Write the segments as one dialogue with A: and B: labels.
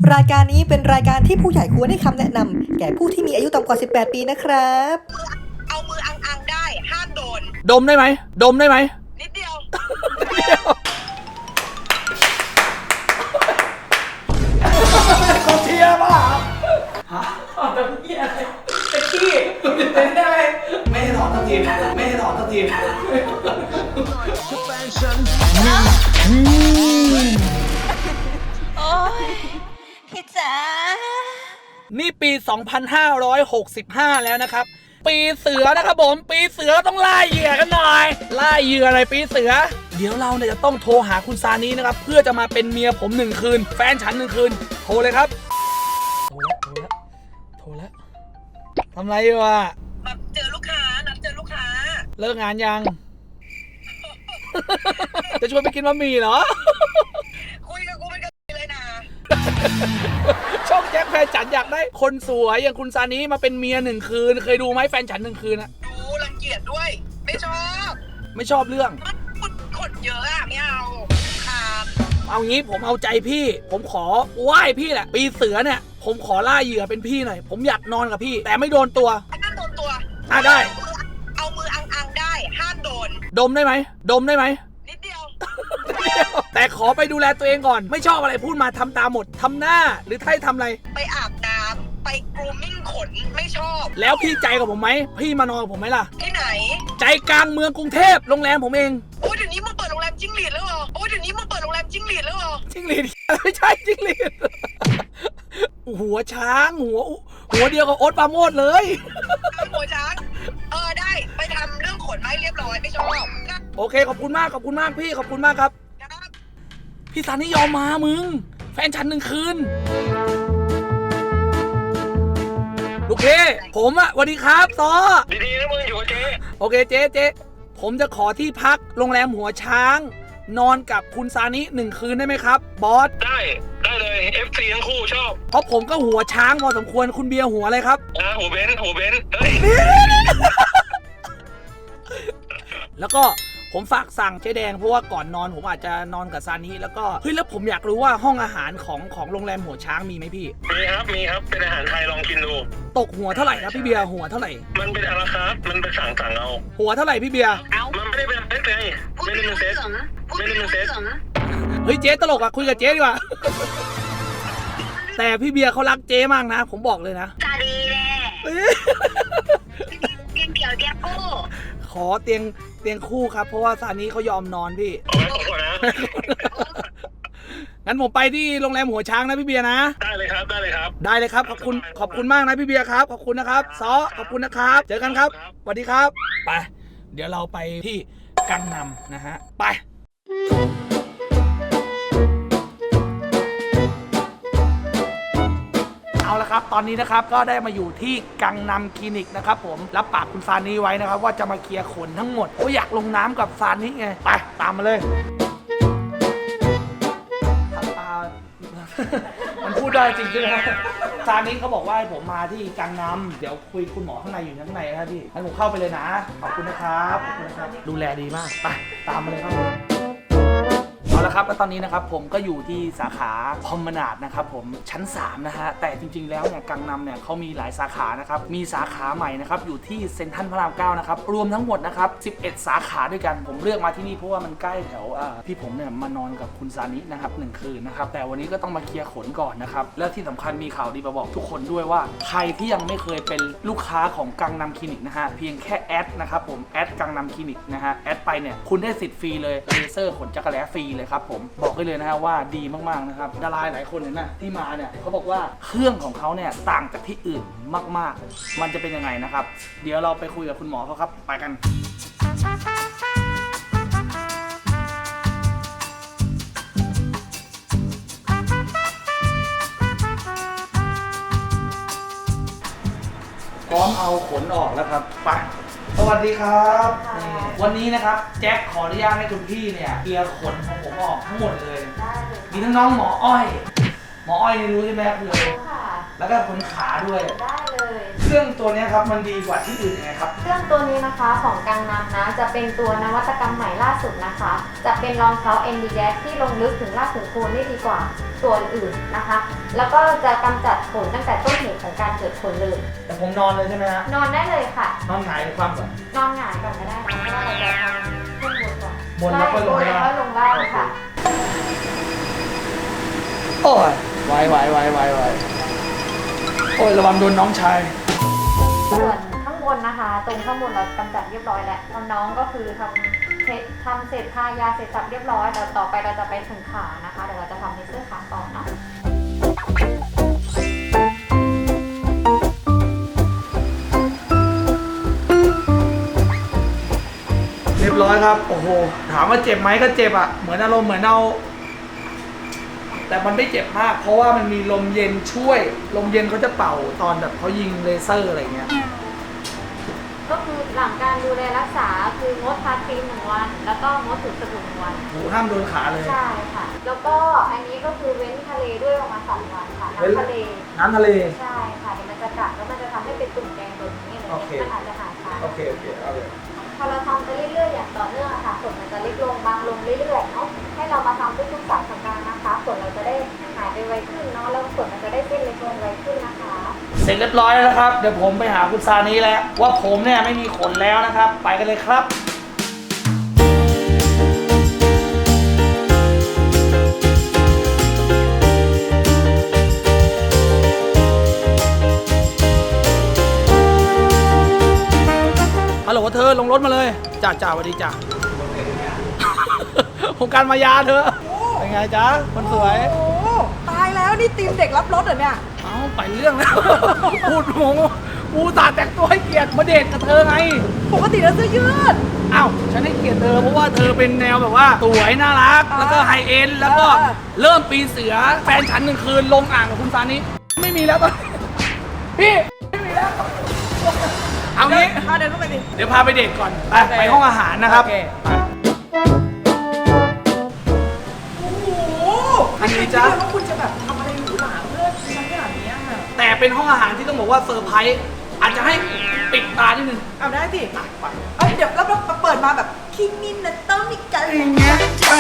A: รายการนี้เป็นรายการที่ผู้ใหญ่ควรให้คำแนะนำแก่ผู้ที่มีอายุต่ำกว่า 18 ปีนะครับ
B: เอามืออังได้ห้ามโดน
C: ดมได้ไหมดมได้ไหม
B: นิดเดียว
C: เขาเชียร์ป่ะฮะแต่เหี้ยอะไรแต่ขี้เป็นอะไรไม่ได้ถอนทักทีไม่ได้ถอนทักที
B: โอ้ยพี่จ๋า
C: นี่ปี 2565 แล้วนะครับปีเสือนะครับผมปีเสือต้องล่าเหยื่อกันหน่อยล่าเหยื่ออะไรปีเสือเดี๋ยวเราเนี่ยจะต้องโทรหาคุณซานีนะครับเพื่อจะมาเป็นเมียผม1 คืนแฟนฉัน1 คืนโทรเลยครับโทรแล้วทำไรอยู่อะ
B: นัดเจอลูกค้า
C: เลิกงานยัง จะชวนไปกินบะหมี่เหรอ
B: คุยกับกูเป็นกันเลยนะ
C: ช่องแจ็คแฟนฉันอยากได้คนสวยอย่างคุณซานีมาเป็นเมีย1 คืนเคยดูไหมแฟนฉัน1 คืนอะ
B: ดูรังเกียจด้วยไม่ช
C: อบเรื่อง
B: มันขนเยอะอะไม่เอา
C: เอางี้ผมเอาใจพี่ผมขอไหว้พี่แหละปีเสือเนี่ยผมขอล่าเหยื่อเป็นพี่หน่อยผมอยากนอนกับพี่แต่ไม่โดนตัว
B: ห้ามโดนตัว
C: ได้
B: เอามืออังได้ห้ามโดน
C: ดมได้ไหม
B: นิดเดียว
C: แต่ขอไปดูแลตัวเองก่อนไม่ชอบอะไรพูดมาทำตามหมดทำหน้าหรือทำอะไร
B: ไปอาบน้ำไปกรูมมิ่งขนไม่ชอบ
C: แล้วพี่ใจกับผมไหมพี่มานอนกับผมไหมล่ะ
B: ที่ไหน
C: ใจกลางเมืองกรุงเทพโรงแรมผมเอง
B: โอ้เดี๋ยวนี้มึงเปิดโรงแรมจิ้งหรีดแล้วเหรอจิ้งหรีด
C: ไม่ใช่จิ้งหรีดหัวช้างหัวเดียวกับโอ๊ตปราโมชเลย
B: หัวช้างได้ไปทำเรื่องขนไม้เรียบร้อยไม่ชอบ
C: โอเคขอบคุณมากพี่ขอบคุณมากครับพี่ซานี่ยอมมามึงแฟนฉัน1 คืนลูกเพ่ผมอะสวัสดีครับซอ
D: ดีๆนะมึงอยู่กับเจ๊
C: โอเคเจ๊ผมจะขอที่พักโรงแรมหัวช้างนอนกับคุณซานิ1 คืนได้ไหมครับบอส
D: ได้เลย FC ทั้งคู่ชอบ
C: เพราะผมก็หัวช้างพอสมควรคุณเบียร์หัวอะไรครับ
D: หัวเบนเฮ้ย
C: แล้วก็ผมฝากสั่งเจ๊แดงเพราะว่าก่อนนอนผมอาจจะนอนกับซานิแล้วก็แล้วผมอยากรู้ว่าห้องอาหารของโรงแรมหัวช้างมีไหมพี่
D: มีครับเป็นอาหารไทยลองกินดู
C: ตกหัวเท่าไหร่ครับพี่เบียร์หัวเท่าไหร่
D: มันเป็นอาราคาร์ทมันเป็นสั่งเอา
C: หัวเท่าไหร่พี่เบียร์
D: มันไม่ได้เป็นเซตไงไม่ได้เป็นเซต
C: เฮ้ยเจ๊ตลกอะคุยกับเจ๊ดีกว่าแต่พี่เบียร์เขารักเจ๊มากนะผมบอกเลยนะ
B: ตาดีแน่เตียงคู่
C: ขอเตียงคู่ครับเพราะว่าซานี้เขายอมนอนพี่
D: ขอก่อนนะ
C: งั้นผมไปที่โรงแรมหัวช้างนะพี่เบียร์นะ
D: ได้เลยครับได้เลย
C: ครับขอบคุณมากนะพี่เบียร์ครับขอบคุณนะครับซอขอบคุณนะครับเจอกันครับสวัสดีครับไปเดี๋ยวเราไปที่กังนำนะฮะไปเอาละครับตอนนี้นะครับก็ได้มาอยู่ที่กังนำคลินิกนะครับผมรับปากคุณซานีไว้นะครับว่าจะมาเคลียร์ขนทั้งหมดก็อยากลงน้ำกับซานีไงไปตามมาเลยมันพูดได้จริงๆนะซานีเขาบอกว่าให้ผมมาที่กังนำเดี๋ยวคุยคุณหมอข้างในอยู่ข้างในนะพี่ให้ผมเข้าไปเลยนะขอบคุณนะครับดูแลดีมากไปตามมาเลยครับเอาละครับแล้วตอนนี้นะครับผมก็อยู่ที่สาขาพอมนาดนะครับผมชั้น3นะฮะแต่จริงๆแล้วเนี่ยกังนำเนี่ยเขามีหลายสาขานะครับมีสาขาใหม่นะครับอยู่ที่เซ็นทรัลพระราม 9นะครับรวมทั้งหมดนะครับ11 สาขาด้วยกันผมเลือกมาที่นี่เพราะว่ามันใกล้แถวพี่ผมเนี่ยมานอนกับคุณซานินะครับ1 คืนนะครับแต่วันนี้ก็ต้องมาเคลียร์ขนก่อนนะครับและที่สำคัญมีข่าวดีมาบอกทุกคนด้วยว่าใครที่ยังไม่เคยเป็นลูกค้าของกังนำคลินิกนะฮะเพียงแค่แอดนะครับผมแอดกังนำคลินิกนะฮะแอดไปเนี่ยคุณได้สิทธิ์ฟรีเลยเลเซอร์ขนจักรแล้ฟรีเลยครับผมบอกได้เลยนะฮะว่าดีมากๆนะครับดาราหลายคนเนี่ยนะที่มาเนี่ยเขาบอกว่าเครื่องของเขาเนี่ยต่างจากที่อื่นมากๆมันจะเป็นยังไงนะครับเดี๋ยวเราไปคุยกับคุณหมอเขาครับไปกันพร้อมเอาขนออกแล้วครับไปสวัสดีครับวันนี้นะครับแจ็คขออนุญาตให้คุณพี่เนี่ยเคลียร์ขนของผมออกทั้งหมดเลยมีทั้งน้องหมออ้อยนี่รู้ใช่ไหมคืออะไรแล้วก็ขนขาด้วย
E: ได้เลย
C: เครื่องตัวเนี้ยครับมันดีกว่าที่อื่นยังไงครับ
E: เครื่องตัวนี้นะคะของกังนำนะจะเป็นตัวนวัตกรรมใหม่ล่าสุดนะคะ จะเป็นรองเท้า NDJack ที่ลงลึกถึงรากถึงโคนได้ดีกว่าตัวอื่นนะคะ แล้วก็จะกำจัดขนตั้งแต่ต้นเหตุของการเกิดขนเลย
C: แต่ผมนอนเลยใช่ไหมฮะ
E: นอนได้เลยค่ะ
C: นอนหงายหรือความก่อน
E: นอนหงายก่อนก็ได้นะเพราะว่าเราจะทำขึ้นบนก่อน
C: บนแล้วค่อยลง
E: ใช่บนแล้วค่อยลงล่างค่ะ
C: โอ้ยไวโอ้ยระวังโดนน้องชาย
E: ส่วนข้างบนนะคะ ตรงข้างบนเรากำจัดเรียบร้อยแล้วน้องๆก็คือทำเสร็จทายาเสร็จสับเรียบร้อยแล้วต่อไปเราจะไปถึงขานะคะเดี๋ยวเราจะทำในเสื้อขาต่อเนาะ
C: เรียบร้อยครับ โอ้โห ถามว่าเจ็บไหมก็เจ็บอ่ะ เหมือนอารมณ์เหมือนเอาแต่มันไม่เจ็บมาก เพราะว่ามันมีลมเย็นช่วย ลมเย็นเขาจะเป่าตอนแบบเขายิงเลเซอร์อะไรเงี้ย
E: ก็คือหลังการดูแลรักษาคืองดทาครีม1 วัน แล้วก็งดถูสบู่1 วัน
C: หูห้ามโดนขาเลย
E: ใช่ค่ะ แล้วก็อันนี้ก็คือเว้นทะเลด้วยประมาณ2 วันค่ะ
C: เว้น
E: น้ำทะเล
C: น้ำทะเล
E: ใช่ค่ะเดี๋ยวมันจะกัดแล้วมันจะทำให้เป็นตุ่มแดงแบบนี้เลย
C: โอเค
E: มันอาจจะหายช้า
C: โอเค เอาเลย
E: พอเราทำไปเรื่อยๆอย่างต่อเนื่องอะค่ะขนมันจะเล็กลงบางลงเรื่อยๆเนาะให้เรามาทำทุกๆ3 สัปดาห์นะคะขนเราจะได้หายไปไวขึ้นเนาะแล้วขนมันจะได้เส้นเล็กลงไวขึ้นนะคะ
C: เสร็จเรียบร้อยแล้วนะครับ เดี๋ยวผมไปหาคุณซานี้แล้ว ว่าผมเนี่ยไม่มีขนแล้วนะครับ ไปกันเลยครับ ฮัลโหลเธอลงรถมาเลยจ่าสวัสดีจ้า โครงการมายาเธอ เป็นไงจ๊ะคนสวย
A: โอ้ตายแล้วนี่ทีมเด็กรับรถเหรอเนี่ย
C: เอ้าไปเรื่องแล้ว พูดงงกูตาแต่งตัวให้เกียรติมาเดทกับเธอไง
A: ปกติแล้วเสื้อยืด
C: อ้าวฉันให้เกียรติเธอเพราะว่าเธอเป็นแนวแบบว่าสวยน่ารัก แล้วก็ไฮเอ็นแล้วก็เริ่มปีนเสือ แฟนฉัน1 คืนลงอ่างกับคุณซานิไม่มีแล้วตอนนี้พี่ไม่มีแล้ว เอางี้
A: พาเดินเข้าไปดิ
C: เดี๋ยวพาไปเดทก่อน ไป
A: โอเค
C: ไปห้องอาหารนะครับ
A: โอเค
C: ไป
A: โอ้โห
C: อันนี้
A: ไม่
C: จ๊ะ
A: คิดเลยว่าคุณจะแบบทำอะไรหรูหราเพื่อฉันขนาดนี้อะ
C: แต่เป็นห้องอาหารที่ต้องบอกว่าเซอร์ไพรส์อาจจะให้ปิดตานิดนึง
A: เอาได้สิ
C: อ่ะไป
A: เอ้ยเดี๋ยวแล้วเปิดมาแบบคิมินนะต้องมีกัน
C: เพลง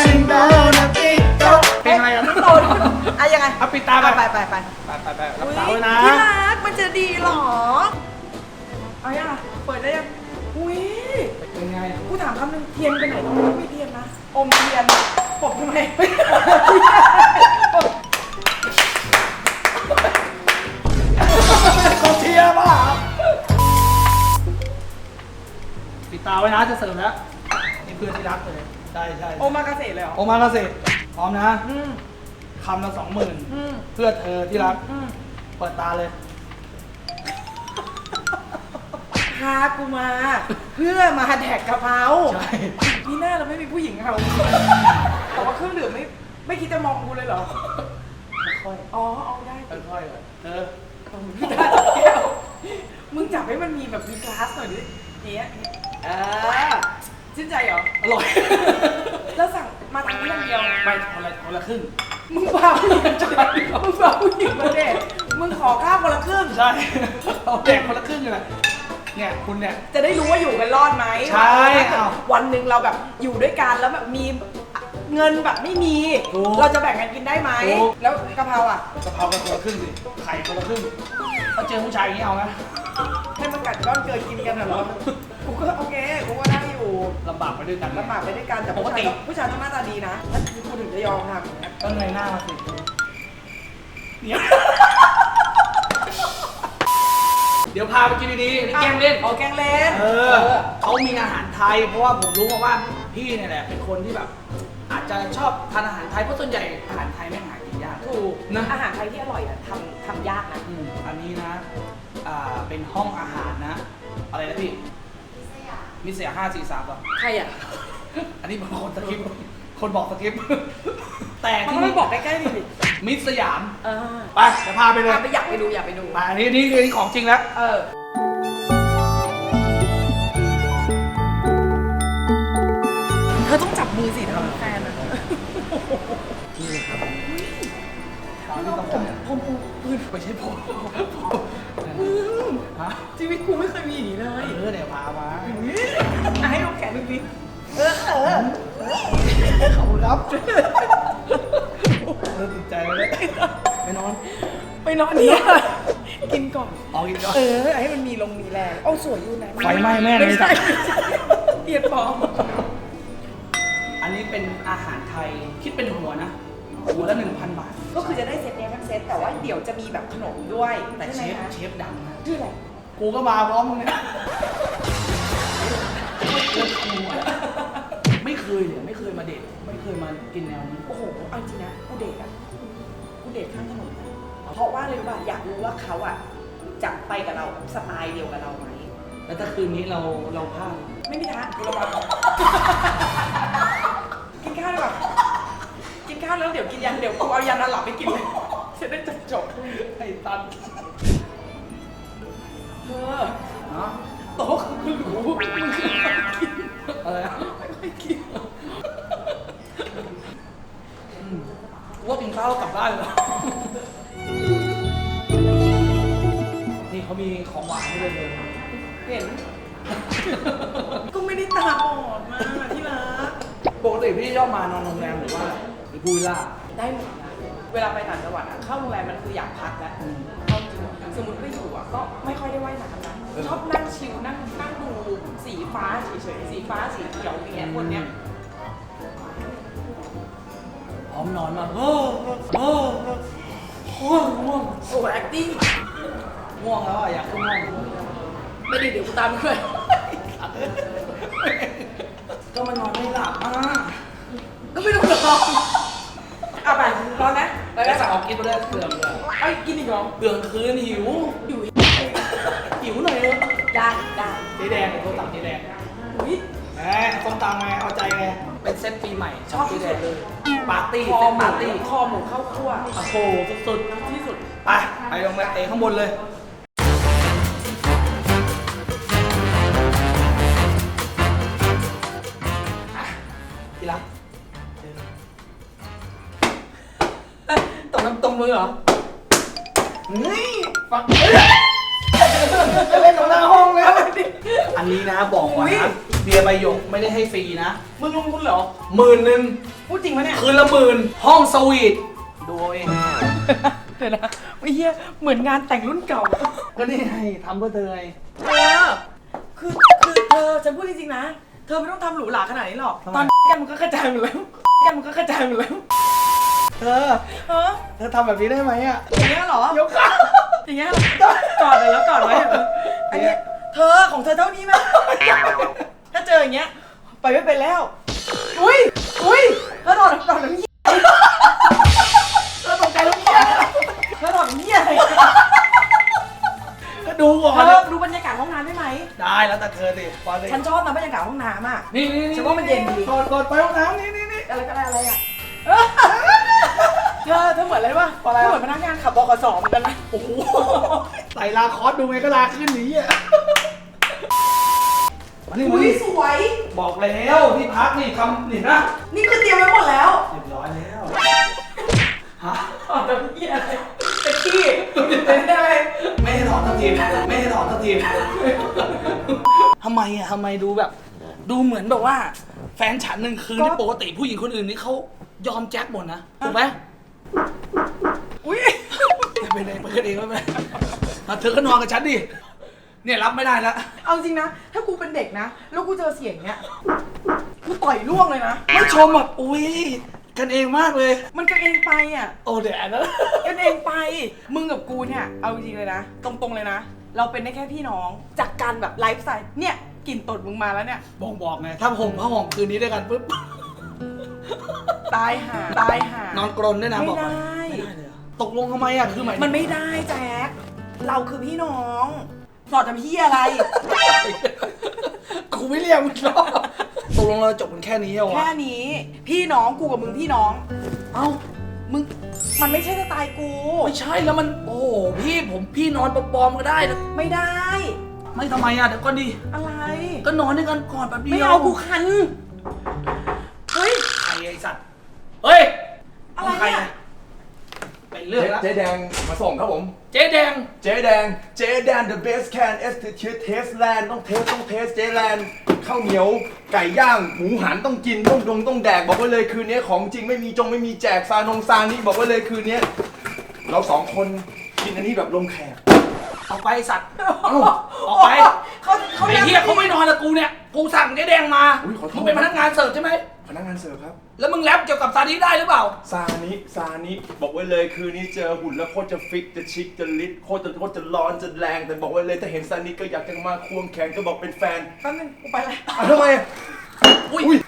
C: อะไรอ่ะ
A: โตนอะยังไง
C: เอาปิดตาไป
A: ไป
C: ไปรับตาไว้นะ
A: ที่รักมันจะดีเหรอ เอายังอะเปิดได้ยัง อุ้ย
C: เป็นไง
A: กูถามคำหนึงเทียนไปไหนต้องไม่เทียนนะ อมเทียนปบทำไม
C: กองเชียร์ป่ะปิดตาไว้นะจะเสิร์ฟแล้วนี่เพื่อนที่รักเลยใช่ใช่
A: โอมากาเสะเลยเหรอ
C: โอมากาเสะพร้อมนะ
A: อืม
C: คำละ
A: อืม
C: 20,000เพื่อเธอที่รัก
A: อืม
C: เปิดตาเลย
A: พากูมา เพื่อมาแดกกะเพรา
C: ใช่
A: นี่หน้าเราไม่มีผู้หญิงเราแต่ว่าเครื่องดื่มไม่คิดจะมองกูเลยเหรอ
C: ค่อย
A: อ๋อ เอาได้
C: ๆค่อยๆก่อนเธอ
A: พี่ตาจับแก้วมึงจับให้มันมีแบบมีกลาสหน่อยดิเนี้ยชื่นใจเหรอ
C: อร่อย
A: แล้วสั่งมาทางนี้อย่างเดียว
C: ไม่คนละครึ่ง
A: มึงพาผู้หญิงมาจะมึงพาผู้หญิงมาเดทมึงขอข้าวคนละครึ่ง
C: ใช่ เอาแดกคนละครึ่งเลยนะเนี่ยคุณเนี่ย
A: จะได้รู้ว่าอยู่กันรอดไหม
C: ใช่
A: ถ้าเกิด
C: อ้าว
A: วันหนึ่งเราแบบอยู่ด้วยกันแล้วแบบมีเงินแบบไม่มี
C: ถูก
A: เราจะแบ่งกันกินได้ไหม
C: ถูก
A: แล้วกะเพราอ่ะ
C: กะเพรากันคนละครึ่งสิไข่คนละครึ่งถ้าเจอผู้ชายอย่างนี้เอานะ
A: ให้มันกัดก้อนเกินกินกันเหรอกูก็โอเคกูก็ได้อยู่
C: ลำบากไปด้วยกัน
A: ลำบากไปด้วยกันแต่
C: ปกติ
A: ผู้ชายต้องหน้าตาดีนะถ้ากูถึงจะยอมทำอย่างเงี้ย
C: ก็เงยหน้ามาสิเนี่ยเดี๋ยวพาไปกินดีๆนี่แกล้งเล่น
A: เอาแกล้งเล่น
C: เขามีอาหารไทย เพราะว่าผมรู้มาว่าพี่เนี่ยแหละเป็นคนที่แบบ อาจจะชอบทานอาหารไทยเพราะส่วนใหญ่อาหารไทยไม่หากินยาก
A: ถูก
C: นะ
A: อาหารไทยที่อร่อยอ่ะทำยากนะ
C: อันนี้นะเป็นห้องอาหารนะ อะไรนะพี่มิสยา543ป่ะ
A: ใครอ่ะ
C: อันนี้เป็นคนสคริปต์คนบอกสคริปต์แต่
A: มัน
C: ที่
A: ไม่
C: นี่
A: บอกใกล้ๆดิ
C: มิสยาม
A: เออ
C: ไปเดี๋ยวพาไปเลย
A: ไปอยากไปดูอยากไปดู
C: มาอันนี้ของจริงแล้ว
A: เออ เธอต้องจับมือสิทำแฟนอ่ะ
C: นี่เลยครับที่ต้องการ
A: ผมปืน
C: ไม่ใช่ผม
A: มึง
C: ฮะ
A: ชีวิตกูไม่เคยมีอย่างนี้เลย
C: เนี่ยพามา
A: ให้ลงแขนดูสิ
C: ขอบคุณครับเริ่มติดใจเลยไปนอน
A: ไปนอนเนี่ยกินก่อน
C: ออกอีกก่อน
A: ให้มันมีลงมีแรงเอาสวยอยู่นะ
C: ไฟไหม้แม่เลย
A: ไม่ใช่เอียดปลอม
C: อันนี้เป็นอาหารไทยคิดเป็นหัวนะ หัวละ 1,000 บาท
A: ก็คือจะได้เซตเนี้ยทั้งเซตแต่ว่าเดี๋ยวจะมีแบบขนมด้วย
C: แต่
A: ใช่
C: เช
A: ไหม
C: ฟ
A: คะ
C: เชฟดังนะ
A: ชื่ออะไร
C: กูก็มาพร้อมมึงเนี่ยไม่เคยเลยไม่เคยมาเดทไม่เคยมากินแนวนี้
A: โอ้โหเอาจริงนะกูเดทอ่ะกูเดทข้างถนนนะเพราะว่าเลยว่าอยากรู้ว่าเขาอ่ะจะไปกับเราสไตล์เดียวกับเราไหม
C: แล้วถ้าคืนนี้เราพลาด
A: ไม่มีทางกูระวังกินข้าวดีกว่ากินข้าวแล้วเดี๋ยวกินยันเดี๋ยวกูเอายันนอนหลับไปกินเลยจะได้จบ
C: ไอ้ตัน
A: เธอ
C: ฮะ
A: โต๊ะคือหรูมึงคือกิน
C: อะไรอะ
A: ไม่ค่อยกิน
C: กูว่ากินข้าวแล้วกลับบ้านเลยนี่เขามีของหวานให้ด้วยเลย
A: เห็น ก็ไม่ได้ตาบอดมาที่รัก
C: ปกติพี่ชอบมานอนโรงแรมหรือว่าหรือพูวิลล่า
A: ได้หมดนะเวลาไปต่างจังหวัดอะเข้าโรงแรมมันคืออยากพักแล้วเข้าจริงสมมติไปอยู่อะก็ไม่ค่อยได้ว่ายน้ำนะชอบนั่งชิลนั่งดูสีฟ้าเฉยๆสีฟ้าสีเขียวอย่างเงี้ยคนเนี้ย
C: พร้อมนอนมาง่วง
A: โอ้ acting
C: ง่วงแล้วอ่ะอยากขึ้นห้อง
A: ไม่ได้เดี๋ยวกูตามด้วย
C: ก็มันนอนไม่หลับอ่ะ
A: ก็ไม่ต้องรอเอาไปรอนะไป
C: แล้ว
A: แล้ว
C: สั่งออกกินไปเลยเปลืองเลย
A: ไอ้กินอีกเหรอ
C: เปลืองคืนหิว
A: อยู่
C: หิวหน่อยเถอะ
A: ได้ได้
C: เจ๊แดงโทรสั่งเจ๊แดง
A: อุ้ย
C: แหมส้มตำไงเอาใจไงเป็นเซตปีใหม่
A: ชอบ
C: เจ๊
A: ที่
C: แด
A: สุ
C: ง
A: ดเลย
C: ปาร์ตี้
A: คอ
C: เซต
A: หมู
C: ปาร์ตี้
A: คอหมูข้าวคั่ว
C: โอ้โหสุด
A: ที่สุด
C: ๆไปลงมาเตะข้างบนเลยที่รัก
A: ตกน้ำตรงมือเหรอ
C: นี่ฟังจะเล่นกับหน้าห้องแล้วอันนี้นะบอกก่อนนะเบียร์ใบหยกไม่ได้ให้ฟรีนะ
A: มึงลงทุนเหรอ
C: 10,000
A: พูดจริงปะเนี่ย
C: คืนละ10,000ห้องสวีทดูเอาเอง
A: เดี๋ยวนะไม่เฮียเหมือนงานแต่งรุ่นเก่า
C: ก็นี่ไงทำเพื่อเธอไง
A: คือเธอฉันพูดจริงๆนะ เธอไม่ต้องทำหรูหราขนาดนี้หรอก ตอนกันมันก็กระจายหมดแล้วกันมันก็กระจายหมดแล้ว
C: เธอ
A: เออ
C: เธอทำแบบนี้ได้ไหมอ่ะ
A: อย่างเงี้ยเหรอ
C: ยกขา
A: อย่างเงี้ยเหรอกอดเลยแล้วกอดไว้อันเนี้ยเธอของเธอเท่านี้ไหมถ้าเจออย่างเงี้ยไปไม่เป็นแล้ว อุ้ยเธอถอดน้ำเยี่ยเธอตกใจน้ำเยี่ยเธอถอดน้ำเยี่ยอะไร
C: ก็ดูก่อน
A: เธอดูบรรยากาศห้องน้ำได้ไหม
C: ได้แล้วแต่เธอสิพอเลย
A: ฉันชอบนะบรรยากาศห้องน้ำอ่ะ
C: นี่
A: ฉันว่ามันเย็นดี
C: ก่อนไปห้องน้ำนี่
A: อะไรก็ได้อะไรอ่ะเธอเหมือนอะไรวะ
C: อะไร
A: เหมือนพนักงานขับบขสเหมือนกันนะ
C: โอ้โหใส่ลาคอสดูไงก็ลาขึ้นหนีอ่ะมานี่
A: อุ้ยสวย
C: บอกแล้วที่พักนี่ทำนี่นะ
A: นี่คือเตรียมไว้หมดแล้ว
C: เรียบร้อยแล้วฮะ
A: อ๋อแต่พี่อะไรแต่ขี้เป็นอะไร
C: ไม่ให้ถอดทัพทีมไม่ให้ถอดทัพทีมทำไมอ่ะทำไมดูแบบ ดูเหมือนแบบว่า แฟนฉันหนึ่งคืนที่ปกติผู้หญิงคนอื่นนี่เขายอมแจ็คหมดนะถูกไหม
A: อุ้ย
C: ไปไหนไปกันเองไม่เป็นไรเธอก็นอนกับฉันดิเนี่ยรับไม่ได้แล้ว
A: เอาจริงนะ ถ้ากูเป็นเด็กนะ แล้วกูเจอเสียงเนี้ยกูต่อยล่วงเลยนะ
C: ไม่ชมแบบอุ้ยกันเองมากเลย
A: มันกันเองไปอ่ะ
C: โอ้เดี๋ยวอันนั้น
A: กันเองไป มึงกับกูเนี่ย เอาจริงเลยนะ ตรงๆเลยนะ เราเป็นได้แค่พี่น้อง จากการแบบไลฟ์สไตล์ เนี่ยกลิ่นตดมึงมาแล้วเนี่ย
C: บอกไงถ้าห่มผ้าห่มคืนนี้ด้วยกันปุ๊บ
A: ตายห่าน
C: อนกรนด้วยนะ
A: ไม่
C: บอก
A: ได้
C: ไม่ได้เลยเหรอตกลงทำไมอ่ะคือหมาย
A: มันไม่ได้แจ็ค เราคือพี่น้องสอดจำพี่อะไร
C: กูไม่เรียกมึงหรอกตกลงเราจบกันแค่นี้เหรอ
A: แค่
C: วะ
A: นี้ พี่น้องกูกับมึงพี่น้อง
C: เอ้า
A: มึง มันไม่ใช่สไตล์กู
C: ไม่ใช่แล้วมันโอ้โหพี่นอนปลอมๆก็ได้นะ
A: ไม่ได้
C: ไม่ทำไมอ่ะเดี๋ยวก่อนดิ
A: อะไร
C: ก็นอนด้วยกันก่อนแป๊บเดียว
A: ไม่เอากูคัน เฮ้ย
C: ใครไอ้สัตว์เฮ้ย
A: อะไร
C: ใคร
A: เนี่ย
C: ไปเรื่องละ
F: เจ๊แดงมาส่งครับผม
C: เจ๊แดง
F: เจ๊แดง the best can execute taste land ต้องเทสเจ๊แลนด์ข้าวเหนียวไก่ย่างหมูหันต้องกินต้องแดกบอกไว้เลยคืนนี้ของจริงไม่มีแจกซานี่บอกไว้เลยคืนนี้เราสองคนกินอันนี้แบบลงแขก
C: ออกไปสัตว์ออกไปไอ้เหี้ยเขาไม่นอนกับกูเนี่ยกูสั่งเจ๊แดงมามึงเป็นพนักงานเสิร์ฟใช่ไหม
F: พนักงานเสิร์ฟครับ
C: แล้วมึงแรปเกี่ยวกับซานิได้หรือเปล่า
F: ซานิบอกไว้เลยคืนนี้เจอหุ่นแล้วโคตรจะฟิกจะชิคจะลิดโคตรจะร้อนจะแรงแต่บอกไว้เลยถ้าเห็นซานิก็อยากจะมาควงแขนก็บอกเป็นแฟน
A: แป๊บนึงกูไปเลย
F: ทำไม
C: อุ้ย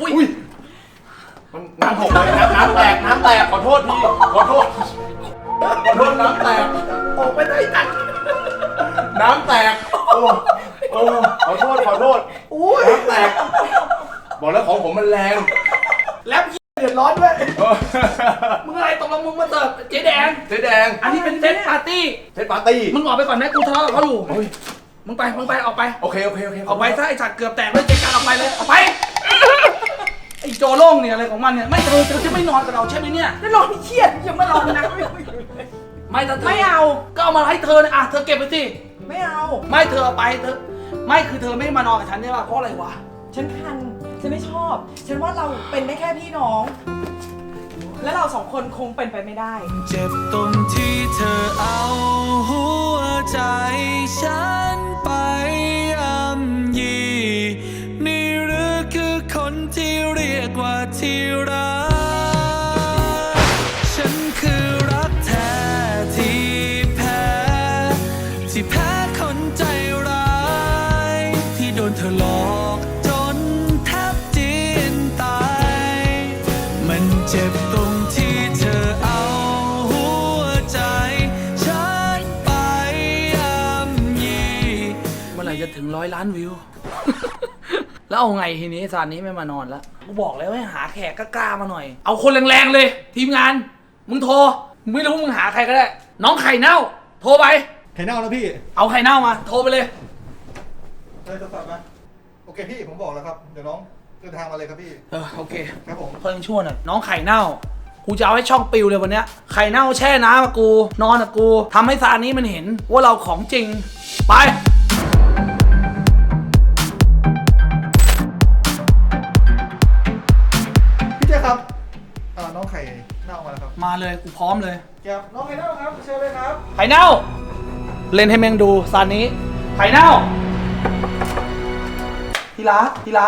F: มันน้ำหกเลยน้ำแตกขอโทษพี่ขอโทษน้ำแตก
C: ออกไปได้ตัน
F: น้ำแตกโอ้ขอโทษน้ำแตกบอกแล้วของผมมันแรง
C: แรปเดือดร้อนด้วยมึงอะไรตกลงมึงมาเสิร์ฟเจ๊แดง อันนี้เป็นเซตปาร์ตี้
F: เซตปาร์ตี้
C: มึงออกไปก่อนไหมกูทะเลาะกับเขาอยู่มึงไปออกไป
F: โอเค
C: ออกไปซะไอ้สัตว์เกือบแตกเลยเจ๊การออกไปเลยออกไปไอ้โจโล่งเนี่ยอะไรของมันเนี่ยไม่เธอจะไม่นอนกับเราใช่ไหมเนี่ย
A: แล้วนอนเครียดยังมาลองนะ
C: ไม่ถ้าเธอ
A: ไม่เอา
C: ก็เอามาให้เธอนะเธอเก็บไปสิ
A: ไม่เอา
C: ไม่เธอเอาไปเธอไม่คือเธอไม่มานอนกับฉันใช่ป่ะเพราะอะไรวะ
A: ฉันคันฉันไม่ชอบ ฉันว่าเราเป็นได้แค่พี่น้อง และเราสองคนคงเป็นไปไม่ได้
G: เจ็บตรงที่เธอเอาหัวใจฉันไปย่ำยีนี่หรือคือคนที่เรียกว่าที่รักฉันคือรักแท้ที่แพ้คนใจร้ายที่โดนเธอหลอกจนแทบจีนตายมันเจ็บตรงที่เธอเอาหัวใจฉันไปย่ำยี
C: เมื่อไหร่จะถึง100 ล้านวิว แล้วเอาไงทีนี้ซานนี้ไม่มานอนแล้วกูบอกแล้วให้หาแขกกล้าๆมาหน่อยเอาคนแรงๆเลยทีมงานมึงโทรมึงไม่รู้มึงหาใครก็ได้น้องไข่เน่าโทรไป
H: ไข่เน่าแล้วพี่
C: เอาไข่เน่ามาโทรไปเลย
H: ได้โทรศัพท์มาโอเคพี่ผมบอกแล้วครับ เดี๋ยวน้องเดินทางมาเลยครับพี่
C: โอเค
H: ครับผม
C: เพิ่งชั่วหน่อยน้องไข่เน่ากูจะเอาให้ช่องปิวเลยวันเนี้ยไข่เน่าแช่น้ำกับกูนอนกับกูทำให้ซานี้มันเห็นว่าเราของจริงไป
H: พี่เจ้ครับน้องไข่เน่ามาแล้วครับ
C: มาเลยกูพร้อมเลย
H: เก็บน้องไข่เน่าครับเชิญเลยครับ
C: ไข่เน่าเล่นให้แมงดูซานี้ไข่เน่าทีรัก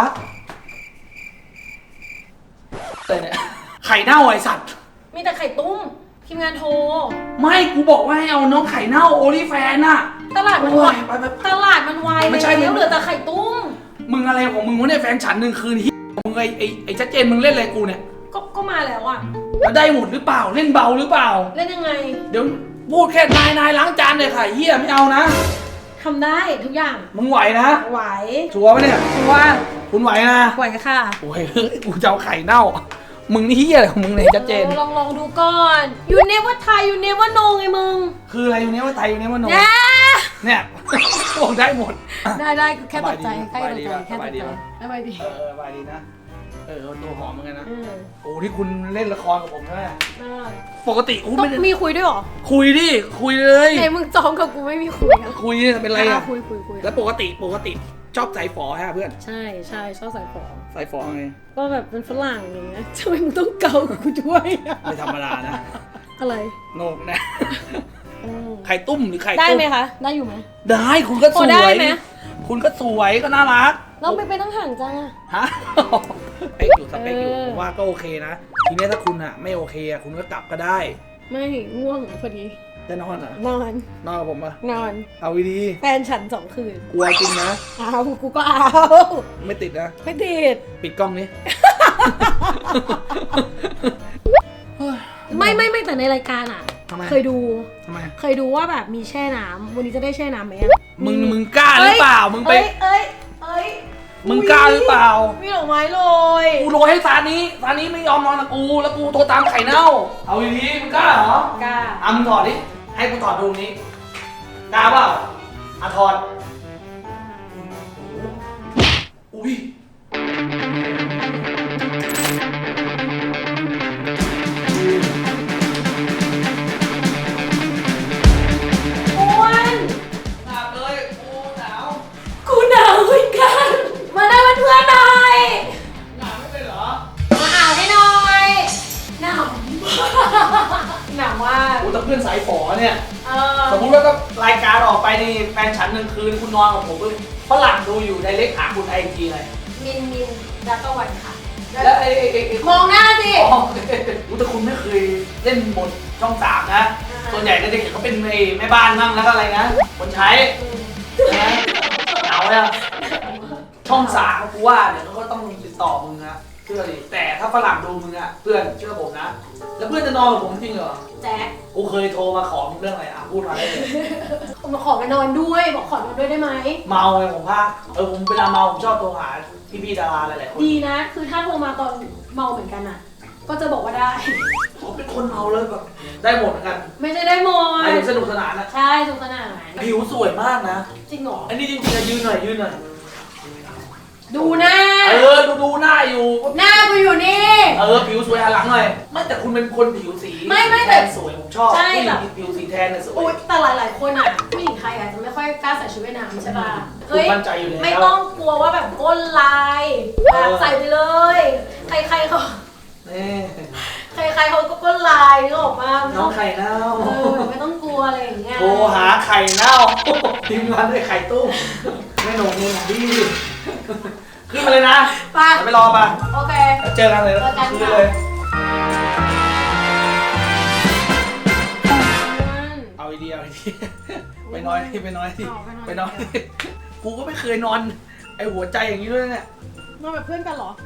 C: แต่เนี่ยไข่เน่าไอสัตว์
I: มีแต่ไข่ตุ้มทีมงานโทร
C: ไม่กูบอกว่าให้เอาน้องไข่เน่าโอลิแฟนน่ะ
I: ตลาดมันวาย
C: ไป
I: ตลาดมันวาย
C: ไม่ใช่
I: แล้วเหลือแต่ไข่ตุ้ม
C: มึงอะไรของมึงวะเนี่ยแฟนฉันหนึ่งคืนที่มึงไอ้ชัดเจนมึงเล่นอะไรกูเนี่ย
I: ก็มาแล้วอ่ะ
C: แล้วได้หมดหรือเปล่าเล่นเบาหรือเปล่า
I: เล่นยังไง
C: เดี๋ยวพูดแค่นายล้างจานเลยค่ะเฮียไม่เอานะ
I: ทำได้ทุกอย่าง
C: มึงไหวนะ
I: ไหว
C: ชัวร์ปะเนี่ย
I: ว่า
C: คุณไหวนะ
I: ไหวค่ะ
C: โอ้ยกูจะเอาไข่เน่ามึงนี่เฮียอะไรของมึงเนี่ยชัดเจน
I: ลองดูก่อน you never try you never know ไงมึง
C: คืออะไรอยู่เนี้ยว่าไทยอยู่เนี้ยว่าโน
I: แย่
C: เนี่ยบอกได้หมด
I: ได้แค่ตกใจแค่ตกใจ
C: สบายดี
I: สบายดี
C: สบายดีนะตัวหอมเหมือนกันนะ
I: เออ
C: โอ้ที่คุณเล่นละครกับผมใช่ไหม
I: เออ
C: ปกติกู
I: ต้อ
C: ไม่
I: ง
C: ได้
I: มีคุยด้วยเหรอ
C: คุยดิคุยเลย
I: ไหนมึงจองกับกูไม่มีคุยอะ
C: คุยเนี่ยเป็นไรอ่ะ
I: คุย
C: แล้วปกติชอบใส่ฝอฮะเพื่อน
I: ใช่ชอบใส่ฟอง
C: ใส่ฝอไง
I: ก็แบบเป็นฝรั่งอย่างเงี้ยทำไมมึงต้องเกากูด้วยอะ
C: ไม่ธรรมดานะ
I: อะไร
C: โงกนะไข่ตุ้มหรือไข่
I: ได้
C: ตุ้ม
I: ไหมคะ ได้อยู่ไหม
C: ได้คุณก็ส
I: พอ
C: ว
I: ได้
C: ย
I: ไหม
C: คุณก็สวยก็น่ารัก
I: เราไปตั้งห่างจังอะ
C: ฮะสเปคอยู่ผมว่าก็โอเคนะทีนี้ถ้าคุณอ่ะไม่โอเคอ่ะคุณก็กลับก็ได้
I: ไม่ง่วงพอดี
C: จะนอนเหรอน
I: อน
C: นอนกับผมปะ
I: นอน
C: เอาดี
I: แฟนฉัน2 คืน
C: ๆกลัวจริงนะ
I: เอากูก็เอา
C: ไม่ติดนะ
I: ไม่ติด
C: ปิดกล้องนี้
I: ไม่แต่ในรายการอะ
C: ทำไม
I: เคยดู
C: ทำไม
I: เคยดูว่าแบบมีแช่น้ำวันนี้จะได้แช่น้ำไหมอะ
C: มึงกล้าหรือเปล่ามึงไป
I: เอ้ย
C: มึงกล้าหรือเปล่า
I: มีดอกไม้โรย
C: กูโรยให้ซานี้ไม่ยอมนอนกับกูแล้วกูโทรตามไข่เน่าเอาดีๆมึงกล้าเหรอก
I: ล้า
C: มึงถอดดิให้กูถอดดูนี้กล้าเปล่าถอดอุ้ยสมมุติว่าถ้ารายการออกไปนี่แฟนฉันหนึ่งคืนคุณนอนกับผมฝรั่งดูอยู่ในเล็กหาคุณไอจีอะไร
E: มินแล้วก็วันค่ะ
C: แล้วไอ้
E: มองหน้าสิ
C: อ๋อแต่คุณไม่เคยเล่นบทช่องสามนะ ส่วนใหญ่ก็จะเห็นเขาเป็นแม่บ้านนั่งแล้วก็อะไรนะ คนใช้นะเหงาเลยช่องสามกูว่าเดี๋ยวเขาก็ต้องติดต่อมึงนะเชื่อดิแต่ถ้าฝรั่งดูมึงอะเพื่อนเชื่อผมนะ แล้วเพื่อนจะนอนกับผมจริงเหรอ
E: แจ๊ค
C: กูเคยโทรมาขอมึงเรื่องอะไรอ่ะพูดมาได้เลย
I: มาขอไปนอนด้วยบอกขอนอนด้วยได้ไหม
C: เมาไงผมว่าผมเวลาเมาผมชอบโทรหาพี่ๆดาราหลายๆคน
I: ดีนะ คือถ้าโทรมาตอนเมาเหมือนกันอ่ะ ก็จะบอกว่าได้
C: ผมเป็นคนเมาเลยแบบได้หมดเหมือนกัน
I: ไม่ใช่ได้หมด
C: ไอ้สนุกสนานนะ
I: ใช่สนุกสนาน
C: ผิวสวยมากนะ
I: จริงเหรอ
C: อันนี้จริงๆอะยืนหน่อย
I: ดูหน้า
C: ดูหน้าอยู่
I: หน้ากูอยู่นี่
C: ผิวสวยหันหลังหน่อยไม่แต่คุณเป็นคนผิวสี
I: ไม่แต่
C: แทนสวยผมชอบ
I: ใช่
C: ผู้หญิ
I: แบบ
C: งผิวสีแทนน่ะสว
I: โอ๊
C: ย
I: ยแต่หลายๆคนอ่ะผู้หญิงไทยอาจจะไม่ค่อยกล้าใส่ชุดว่ายน้ำใช่ป่ะ
C: คุณมั่นใจอยู่แล้ว
I: ไม่ต้องกลัวว่าแบบก้นลายแบบใส่ไปเลย ใครๆเขา
C: นี่
I: ใครๆเขาก็ก้นลายนึกออกมา
C: น้องไข่เน่า
I: ไม่ต้องกลัวอะไรอย่างเงี้ย
C: โทรหาไข่เน่าทีมงานด้วยไข่ตุ้มไม่หนงมึงดีขึ้นมาเลยนะ
I: ไป
C: เดี๋ยวไปรอป่ะ
I: โอเค
C: เจอกันเลย
I: เจอกัน
C: คืน
I: ค่ะ
C: เลย เอาไอเดียไปนอนที่ไปนอนที่ไปนอนที่กูก็ไม่เคยนอนไอหัวใจอย่างนี้ด้วยเนี่ย
I: นอนแบบเพื่อนกันเหรอ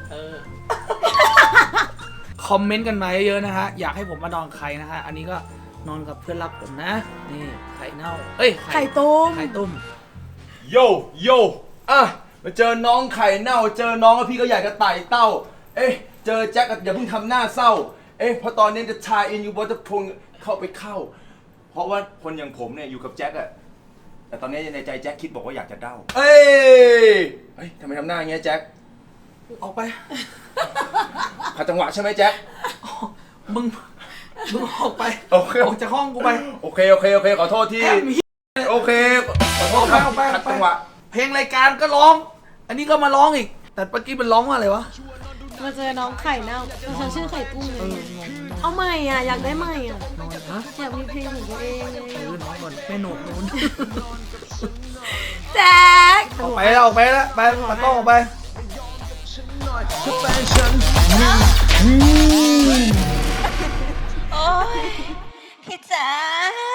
C: คอมเมนต์กันมาเยอะๆนะฮะอยากให้ผมมานอนใครนะฮะอันนี้ก็นอนกับเพื่อนรักผมนะนี่ไข่เน่าเอ้ย
I: ไข่ต้ม
C: ไข่ต้ม
F: โยอ่ะมาเจอน้องไข่เน่าเจอน้องแล้วพี่ก็อยากจะไต่เต้า เอ๊ะเจอแจ็คอย่าเพิ่งทำหน้าเศร้า เอ๊ะเพราะตอนนี้จะทายอินอยู่บอจะพงเข้าไปเข้า เพราะว่าคนอย่างผมเนี่ยอยู่กับแจ็คอะแต่ตอนนี้ในใจแจ็คคิดบอกว่าอยากจะเด้าเฮ้ยทำไมทำหน้าอย่างเงี้ยแจ็ค
C: ออกไป
F: ขัดจังหวะใช่ไหมแจ็ค
C: มึงออกไป
F: โอเค
C: ออกจากห้องกูไป
F: โอเคขอโทษที่
C: แอบมี
F: โอเคขอโทษครับ
C: ออกไป
F: ขัดจังหวะ
C: เพลงรายการก็ร้อง อันนี้ก็มาร้องอีก แต่เมื่อกี้มันร้องว่าอะไรวะ
I: มาเจอน้องไข่เน่าฉันชื่อไข่กุ้งไงเอาใหม่อ่ะ อยากได้ใหม่อ่ะ
C: ฮะ
I: อยากมีเพลงของตัวเองไง
C: น้องก่อนแม่หนุ่มนู้น
I: แจ๊ค
C: ออกไปแล้วไปตากล้องออกไป
B: โอ้ยพี่จ๋า